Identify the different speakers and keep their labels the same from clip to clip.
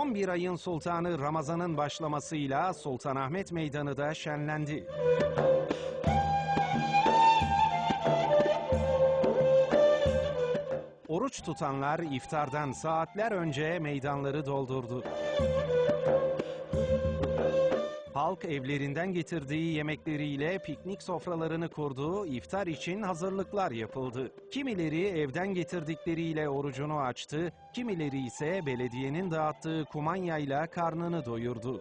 Speaker 1: 11 ayın sultanı Ramazan'ın başlamasıyla Sultanahmet Meydanı da şenlendi. Oruç tutanlar iftardan saatler önce meydanları doldurdu. Halk evlerinden getirdiği yemekleriyle piknik sofralarını kurdu, iftar için hazırlıklar yapıldı. Kimileri evden getirdikleriyle orucunu açtı, kimileri ise belediyenin dağıttığı kumanyayla karnını doyurdu.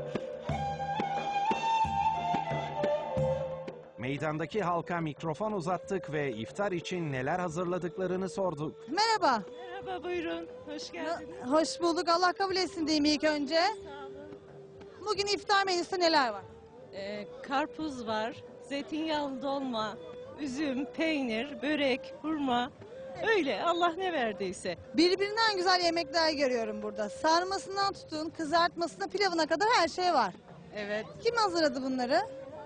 Speaker 1: Meydandaki halka mikrofon uzattık ve iftar için neler hazırladıklarını sorduk.
Speaker 2: Merhaba.
Speaker 3: Merhaba, buyurun. Hoş geldiniz.
Speaker 2: Hoş bulduk. Allah kabul etsin diyeyim ilk önce.
Speaker 3: Sağ olun.
Speaker 2: Bugün iftar menüsü neler var?
Speaker 3: Karpuz var, zeytinyağlı dolma, üzüm, peynir, börek, hurma. Öyle Allah ne verdiyse.
Speaker 2: Birbirinden güzel yemekler görüyorum burada. Sarmasından tutun, kızartmasına, pilavına kadar her şey var.
Speaker 4: Evet.
Speaker 2: Kim hazırladı bunları?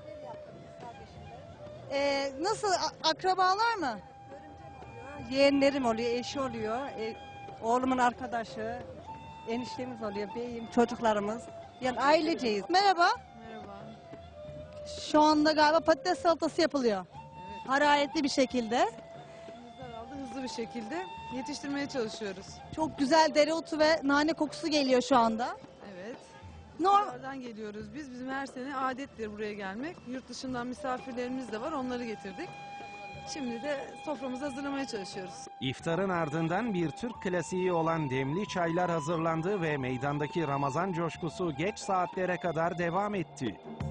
Speaker 2: Nasıl? Akrabalar mı?
Speaker 4: Yeğenlerim oluyor, eşi oluyor, oğlumun arkadaşı, eniştemiz oluyor, beyim, çocuklarımız. Yani aileceyiz.
Speaker 2: Merhaba.
Speaker 5: Merhaba.
Speaker 2: Şu anda galiba patates salatası yapılıyor.
Speaker 5: Evet.
Speaker 2: Hararetli bir şekilde.
Speaker 5: Elimizden aldı hızlı bir şekilde yetiştirmeye çalışıyoruz.
Speaker 2: Çok güzel dereotu ve nane kokusu geliyor şu anda.
Speaker 5: Evet.
Speaker 2: Normal.
Speaker 5: Oradan geliyoruz biz. Bizim her sene adettir buraya gelmek. Yurt dışından misafirlerimiz de var. Onları getirdik. Şimdi de soframızı hazırlamaya çalışıyoruz.
Speaker 1: İftarın ardından bir Türk klasiği olan demli çaylar hazırlandı ve meydandaki Ramazan coşkusu geç saatlere kadar devam etti.